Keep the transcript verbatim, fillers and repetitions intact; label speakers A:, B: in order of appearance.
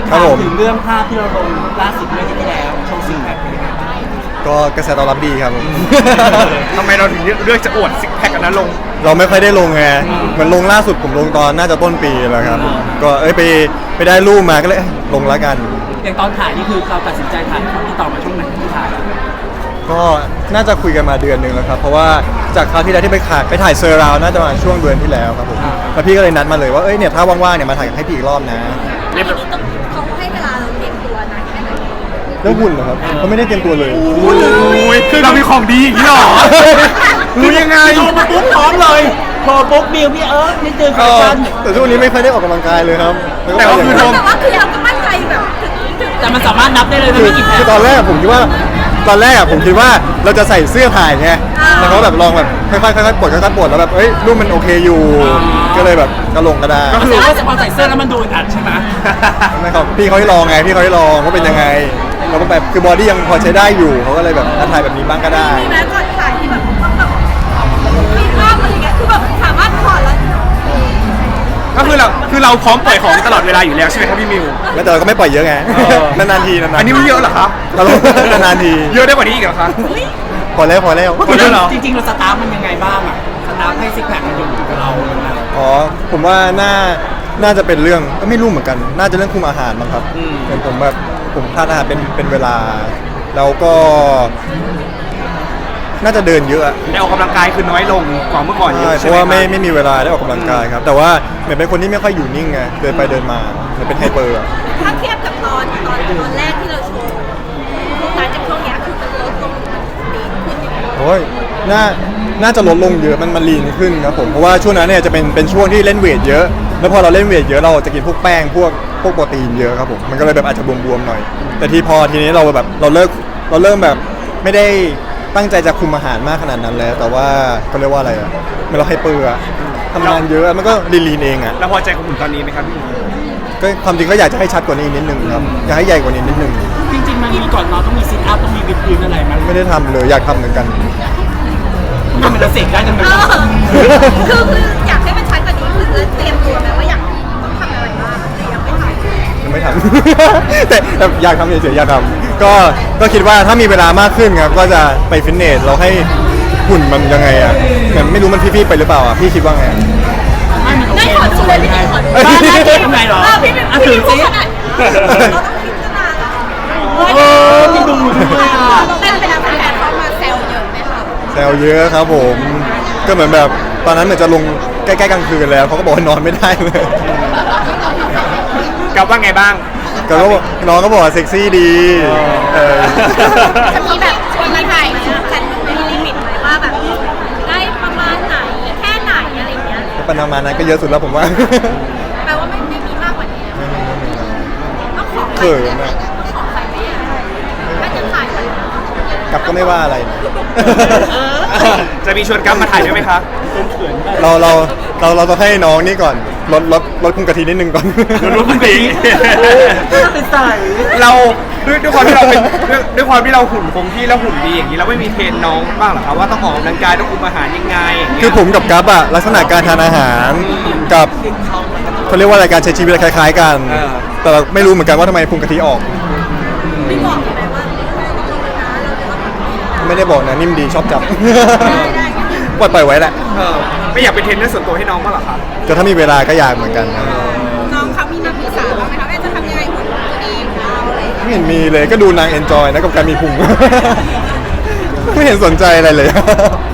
A: ครับผม
B: ถึงเรื่องภาพที่เราลงล่าสุดเมื่ออาทิตย์ที่แล้วโชว์ซิงแพคเป็นยังไงบ้าง
A: ก็กระแสตอบรับดีครับผม
C: ทำไมเราถึงเลือกจะอวดซิกแพคกันนั้นลง
A: เราไม่ค่อยได้ลงไงเหมือนลงล่าสุดผมลงตอนน่าจะต้นปีแล้วครับก็เอ้ยไปไปได้รูปมาก็เลยลงแล้วกัน
B: อย่างตอนถ่ายนี่คือเราตัดสินใจถ่ายที่ต่อมาช่วงไหนที่ถ่าย
A: ก็น่าจะคุยกันมาเดือนหนึ่งแล้วครับเพราะว่าจากคราวที่แล้วที่ไปถ่ายไปถ่ายเซอร์ราวน่าจะมาช่วงเดือนที่แล้วครับผมแล้วพี่ก็เลยนัดมาเลยว่าเอ้ยเนี่ยถ้าว่างๆเนี่ยมาถ่ายให้พี่อีกรอบนะ
D: ทีนี้ต้องเขาให้เวลาเราเตรียมตัวนานแค่ไหน
A: เรื่องหุ่นเหรอครับเขาไม่ได้เตรียมตัวเลย
C: อุ้ยคือเรามีของดีอย่างนี้หรอ รู้ยังไง
B: โทรมาปุ๊บพร้อมเลยโทรปุ๊บบิวพี่เอิร์ธนี่เจอแฟชั่น
A: แต่ช่วงนี้ไม่ค่อยได้ออกกำลังกายเลยครับ
C: แต่ว่าคือ
A: โด
D: แต่ว่าคือเราก็มั่นใจแบบถึงถึง
B: แต่มันสามารถนับได้เลยนะ
A: คือ
B: ไม่กี่แผล
A: คือตอนแรกผมคิดว่าตอนแรกอะผมคิดว่าเราจะใส่เสื้อถ่ายไงแล้วเขาแบบลองแบบค่อยๆค่อยๆปลดค่อยๆปลดแล้วแบบเอ้ยรูปมันโอเคอยู่ ก็เลยแบบก็ลงก็ได้
B: ก็คือว่าพอใส่เสื้อแล้วมันดูอึดอัดใช่ไหม
A: ไม่ครับพี่เขาให้ลองไงพี่เขาให้ลองว่าเป็นยังไงแล้วก็แบบคือบอดี้ยังพอใช้ได้อยู่เขาก็เลยแบบถ่ายแบบนี้บ้างก็ได้
D: มีแม้ก่อนถ่ายที่แบบต้องแบบมีภาพอะไรเงี้ยคือแบบสามารถถอดแล้ว
C: ก็คือเราคือเราพร้อมปล่อยของตลอดเวลาอยู่แล้วใช่ไหมครับพี่มิว
A: แล้วแต่เราก็ไม่ปล่อยเยอะไง
C: เออ
A: นานๆทีนานๆ
C: อันนี้ไม่เยอะเหรอคะ
A: เราลงนานๆที
C: เยอะได้กว่านี้อีกเหรอคะ
A: พอแล้วพอแล้ว
C: พอแล้วเหรอ
B: จริงๆเราสตาร์ทมันยังไงบ้างอะสตาร์ทให้ซิกแพคมันอยู่กับเราอย่างเงี้ย
A: อ๋อผมว่าน่าน่าจะเป็นเรื่องก็ไม่รู้เหมือนกัน น่าจะเรื่องคุมอาหารมั้งครับเหมือนผมแบบผมทานอาหารเป็นเป็นเวลา แล้วก็ น่าจะเดินเยอะอะ
C: ได้ออกกำลังกายคือน้อยลงกว่าเมื่อก่อนเย
A: ใช่
C: อะ
A: เพ
C: ใช่ไหม
A: ราะว่าไม่
C: ครับ
A: ไม่มีเวลาได้ออกกำลังกายครับ แต่ว่าเหมือนเป็นคนที่ไม่ค่อยอยู่นิ่งไงเดินไปเดินมาเหมือนเป็นไฮเปอร์อะ
D: ถ้าเทียบกับตอนตอนตอนแรกที่เราโชว์หลังจากช่วงเนี้ยคือมันลดลงดีขึ้นอย่างเงี้ย
A: โอ้ยน่าน่าจะลดลงเยอะมันมันลีนขึ้นครับผมเพราะว่าช่วงนั้นเนี่ยจะเป็นเป็นช่วงที่เล่นเวทเยอะ แล้วพอเราเล่นเวทเยอะเราจะกินพวกแป้งพวกพวกโปรตีนเยอะครับผมมันก็เลยแบบอาจจะบวมๆหน่อย แต่ทีพอทีนี้เราแบบเราเลิกเราเริ่มแบบไม่ได้ตั้งใจจะคุมอาหารมากขนาดนั้นแล้ว แต่ว่าเขาเรียกว่าอะไรอะเมื่อเราให้เปลืออะทำงานเยอะมันก็ลีนๆเองอะ
C: แล้วพอใจกับหุ่นตอนนี้ไหมครับพี่มิว
A: ก็ความจริงก็อยากจะให้ชัดกว่านี้นิดนึงครับอยากให้ใหญ่กว่านี้นิดนึง
B: จริงๆมันมีก่อนนอนต้องมีซิทอัพต้องมีวิดพื้นอะไรมัน
A: ไม่ได้ทำเลยอยากทำเหมือนกัน
B: มันเป็นเสกได้จังเล
D: เอย อคือคืออยากให้มันชัดกว่านี้คือเตรียมตัวไหมว่าอยากต้องทำอะไรบ้างแต่ยังไม่ถ่าย
A: ยังไม่ทำ แต่แต่อยากทำเฉยๆอยากทำก็ก็คิดว่าถ้ามีเวลามากขึ้นครับก็จะไปฟิตเนสเราให้หุ่นมันยังไงอ่ะเหมือนไม่รู้มันพี่ๆไปหรือเปล่าอ่ะพี่คิดว่าไง
B: ไม่มันโอ
D: ได้
B: เค
D: ขอดูเลยพี่ขอดู
B: บ้านหน้าเจ๊ทำไงหรอ
D: เออพี่เป็น
B: อ่ะ
D: พี่
B: ถื
D: เป็
B: อน
D: ผู้
B: ซิ
D: ขนาดนี้เราต้องพิจารณาแล้ว
B: เออที่ดูด้วยอ่ะ
D: แต่เป็นนักแสดงเขามาแซวเยอะไหมคะ
A: แซวเยอะครับผมก็เหมือนแบบตอนนั้นเหมือนจะลงใกล้ๆกลางคืนแล้วเขาก็บอกว่านอนไม่ได้เลย
C: กับว่าไงบ้าง
A: ก็ก็บอกน้องก็บอกว่าเซ็กซี่ดีเออ
D: จะมีแบบชวนมาถ่ายกันมีลิมิตไหมว่าแบบได้ประมาณไหนแค่ไหนอะไรอย่างเงี้ย
A: ปนามานั้นก็เยอะสุดแล้วผมว่า
D: แปลว่าไม่ไม่มีมากกว่านี้ต้องขอใคร
A: เขิน
D: ไหม
A: อะ
D: ต้องขอใครไหมอะถ้าจะถ่ายกัน
A: กลับก็ไม่ว่าอะไรนะ
C: จะมีชวนกั๊บมาถ่ายด้วยไหมคะ
A: เราเราเราเราต้องให้น้องนี่ก่อนลดลดลดคุมกะทินิดนึงก่อน
C: รู้คุณตี
B: เป็นใส่
C: เราด้วยด้วยความที่เราเป็นด้วยด้วยความที่เราหุ่นคงที่แล้วหุ่นดีอย่างนี้เราไม่มีเทรนน้องบ้างเหรอครับว่าต้องออกกำลังกายต้องคุมอาหารยังไงอย่างเงี้ย
A: คือผมกับกัฟอะลักษณะการทานอาหารกับเขาเรียกว่าอะไรการใช้ชีวิตคล้ายๆกัน แต่เราไม่รู้เหมือนกันว่าทำไมพุงกะทิออก
D: ไม่บอกเลยว่าต้องลงนะเราจะต้องแบบนี้นะ
A: ไม่ได้บอกนะนิ่มดีชอบจับ ปล่อยปล่อยไว้แหละ
C: เออไม่อยากเป็นเทรนเนอร์ส่วนตัวให้น้องบ้างเหรอครับ
A: แต่ถ้ามีเวลาก็อยากเหมือนกันครับ
D: น้องเขามีมาปรึกษาบ้างไหมคะว่าจะทำยังไงหุ่นจะดีของเราอะไรอย่างเงี้ย
A: ไม่เห็นมีเลยก็ดูนางเอนจอยนะกับการมีพุง ไม่เห็นสนใจอะไรเลย